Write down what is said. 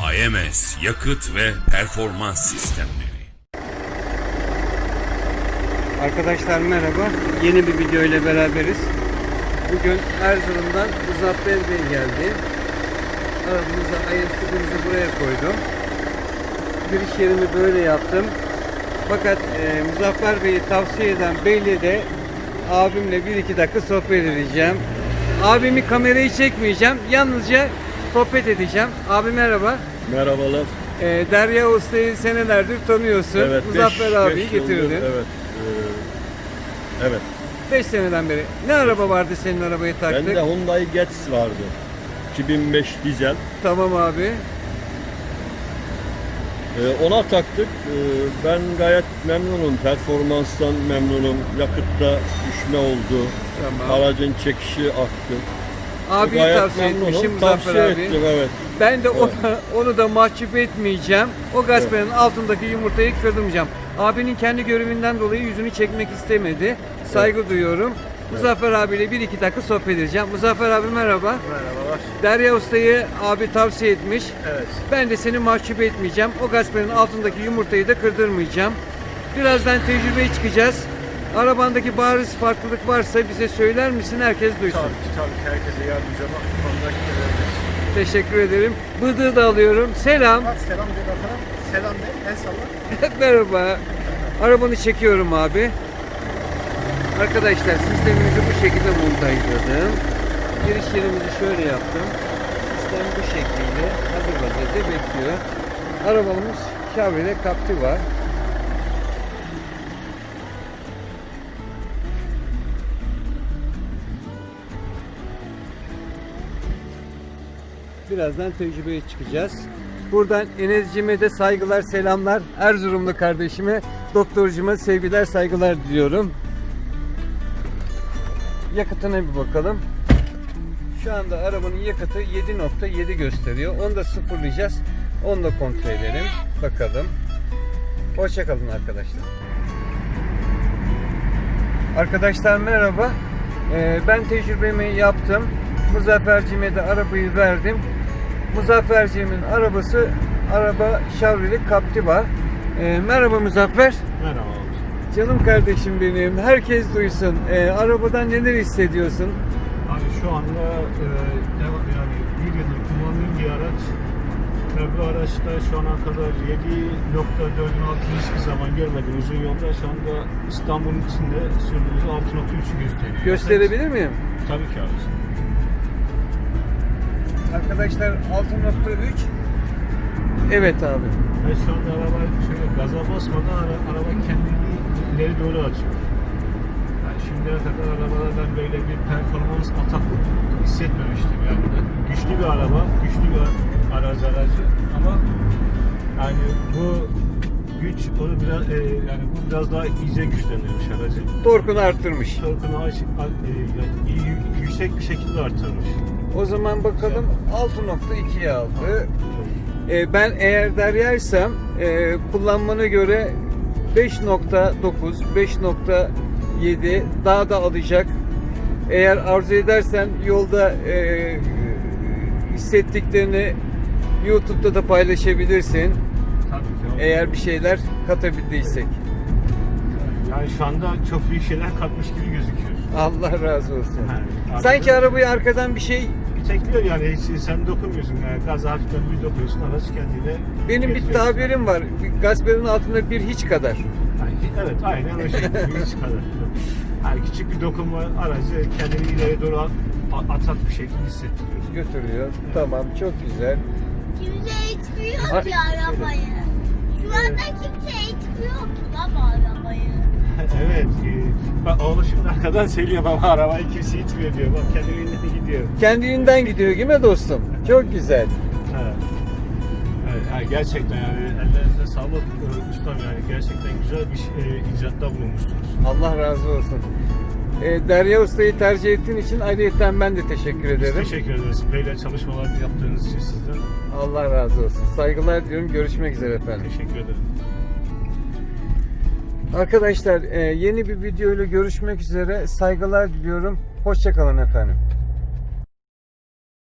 AMS Yakıt ve Performans Sistemleri. Arkadaşlar merhaba. Yeni bir video ile beraberiz. Bugün Erzurum'dan Muzaffer Bey geldi. Arabamıza IS''ımızı buraya koydum. Giriş yerimi böyle yaptım. Fakat Muzaffer Bey'i tavsiye eden Bey'le de abimle 1-2 dakika sohbet edeceğim. Abimi kamerayı çekmeyeceğim. Yalnızca sohbet edeceğim. Abi merhaba. Merhabalar. Derya Usta'yı senelerdir tanıyorsun. Evet, Muzaffer abiyi beş yıldır, getirdin. evet. Evet. 5 seneden beri. Ne araba vardı senin arabayı taktık? Bende Hyundai Getz vardı. 2005 dizel. Tamam abi. Ona taktık. Ben gayet memnunum. Performanstan memnunum. Yakıtta düşme oldu. Tamam. Aracın çekişi arttı. Abiyi Gayet tavsiye memnunum. etmişim Muzaffer Tavsiye abi. ettim, evet. Ben de onu da mahcup etmeyeceğim. O gasperin altındaki yumurtayı kırdırmayacağım. Abinin kendi görevinden dolayı yüzünü çekmek istemedi. Saygı duyuyorum. Muzaffer abiyle 1-2 dakika sohbet edeceğim. Muzaffer abi merhaba. Merhabalar. Derya Usta'yı abi tavsiye etmiş. Evet. Ben de seni mahcup etmeyeceğim. O gasperin altındaki yumurtayı da kırdırmayacağım. Birazdan tecrübeye çıkacağız. Arabandaki bariz farklılık varsa bize söyler misin? Herkes duysun. Tabii ki herkese yardımcı olmak bu konuda görevliyiz. Teşekkür ederim. Bıdığı da alıyorum. Selam. Selam de bakalım. Selam de. El salla. Merhaba. Arabanı çekiyorum abi. Arkadaşlar sistemimizi bu şekilde montajladım. Giriş yerimizi şöyle yaptım. Sistem bu şekilde hazır vaziyette bekliyor. Arabamız Chevrolet Captiva. Birazdan tecrübeye çıkacağız. Buradan Enes'cime de saygılar, selamlar. Erzurumlu kardeşime, doktorcuma sevgiler, saygılar diliyorum. Yakıtına bir bakalım. Şu anda arabanın yakıtı 7.7 gösteriyor. Onu da sıfırlayacağız. Onu da kontrol edelim. Bakalım. Hoşça kalın arkadaşlar. Arkadaşlar merhaba. Ben tecrübemi yaptım. Muzaffer'cime de arabayı verdim. Muzaffer'cimin araba Chevrolet Captiva. Merhaba Muzaffer. Merhaba. Canım kardeşim benim. Herkes duysun. Arabadan neler hissediyorsun? Abi şu anda yani bir yıldır kullandığım bir araç ve bu araçta şu ana kadar 7.4'ün altını hiçbir zaman görmedim uzun yolda. Şu anda İstanbul'un içinde sürdüğümüz 6.3'ü gösteriyor. Gösterebilir miyim? Tabii ki abi. Arkadaşlar 6.3. Evet abi. Ve şu anda araba şöyle gaza basmadan araba kendini ileri doğru açıyor. Yani şimdiye kadar arabalardan böyle bir performans atak hissetmemiştim yani. Güçlü bir araba, güçlü bir aracı ama yani bu güç onu biraz yani bu biraz daha iyice güçlendirmiş aracı. Torkunu arttırmış. Torkunu yüksek bir şekilde arttırmış. O zaman bakalım 6.2'ye aldı. Ben eğer Derya'ysam kullanmana göre 5.9, 5.7 daha da alacak. Eğer arzu edersen yolda hissettiklerini YouTube'da da paylaşabilirsin. Tabii ki. Eğer bir şeyler katabildiysek. Yani şu anda çok büyük şeyler katmış gibi gözüküyor. Allah razı olsun. Yani Sanki arabayı arkadan bir şey tekliyor yani hiç sen dokunmuyorsun yani gaza hafiften bir dokuyorsun araç kendine. benim bir tabirim var. Gasperin altında bir hiç kadar. Yani, evet aynen o şekilde hiç kadar. Yani küçük bir dokunma aracı kendini ileri doğru atak bir şekilde hissettiriyor. Götürüyor. Tamam, çok güzel. Kimse itmiyor ki arabayı. Şu anda kimse itmiyor ki baba arabayı. Evet. Bak oğlu şimdi arkadan söylüyor baba arabayı kimse itmiyor diyor. Bak kendiliğinden gidiyor. Kendiliğinden gidiyor değil mi dostum? Çok güzel. Evet. Evet, yani gerçekten yani ellerinize sağlık ustam yani gerçekten güzel bir icatta bulunmuşsunuz. Allah razı olsun. Derya Usta'yı tercih ettiğin için ayrıyeten ben de teşekkür Biz ederim. teşekkür ederiz. Böyle çalışmalar yaptığınız için sizden. Allah razı olsun. Saygılar diliyorum. Görüşmek üzere efendim. Teşekkür ederim. Arkadaşlar yeni bir video ile görüşmek üzere. Saygılar diliyorum. Hoşça kalın efendim.